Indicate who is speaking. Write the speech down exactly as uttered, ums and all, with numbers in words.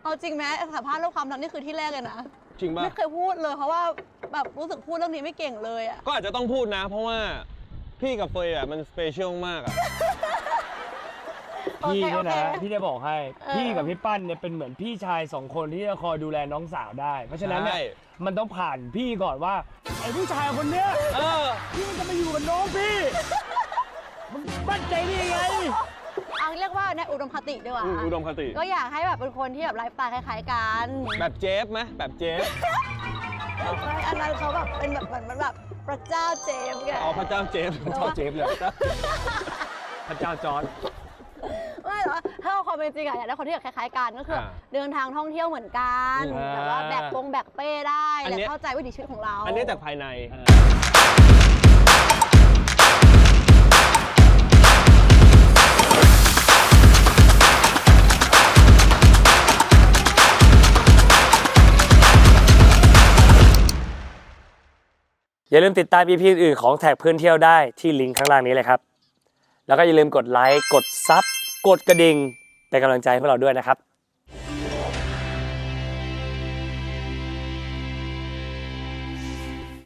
Speaker 1: เอาจริงไหมสัมภาษณ์เรื่องความรักนี่คือที่แรกเลยนะ
Speaker 2: จริงป่ะ
Speaker 1: ไม่เคยพูดเลยเพราะว่าแบบรู้สึกพูดเรื่องนี้ไม่เก่งเลยอ่ะ
Speaker 2: ก็อาจจะต้องพูดนะเพราะว่าพี่กับเฟยอ่ะมันสเปเชียลมากอ่ะ
Speaker 3: พี่เนี่ยนะพี่จะบอกให้พี่กับพี่ปั้นเนี่ยเป็นเหมือนพี่ชายสองคนที่จะคอยดูแลน้องสาวได้ เพราะฉะนั้นเนี่ยมันต้องผ่านพี่ก่อนว่าไอ้ผู้ชายคนเนี้ยพี่มันจะมาอยู่กับน้องพี่มันมั่นใจได้ยังไง
Speaker 1: เอาเรียกว่าในอุดมคติดีกว่า
Speaker 2: อุดมคติ
Speaker 1: ก็อยากให้แบบเป็นคนที่แบบไลฟ์สไตล์คล้ายๆกัน
Speaker 2: แบบเจฟไหมแบบเจฟ
Speaker 1: อันนั้นเขาแบบเป็นแบบเหมือนแบบพระเจ้าเจฟไง
Speaker 2: อ๋อพระเจ้าเจฟ
Speaker 3: พระเจ้าเจฟเลยพระเจ้าจอร์จ
Speaker 1: ไม่หรอถ้าเอาความเป็นจริงอะอยากได้คนที่แบบคล้ายๆกันก็คือเดินทางท่องเที่ยวเหมือนกันแต่ว่าแบกปงแบกเป้ได้และเข้าใจวิถีชีวิตของเรา
Speaker 2: อันนี้จากภายใน
Speaker 3: อย่าลืมติดตาม อี พี อื่นของแท็กเพื่อนเที่ยวได้ที่ลิงก์ข้างล่างนี้เลยครับแล้วก็อย่าลืมกดไลค์กดซับกดกระดิ่งเป็นกำลังใจให้พวกเราด้วยนะครับ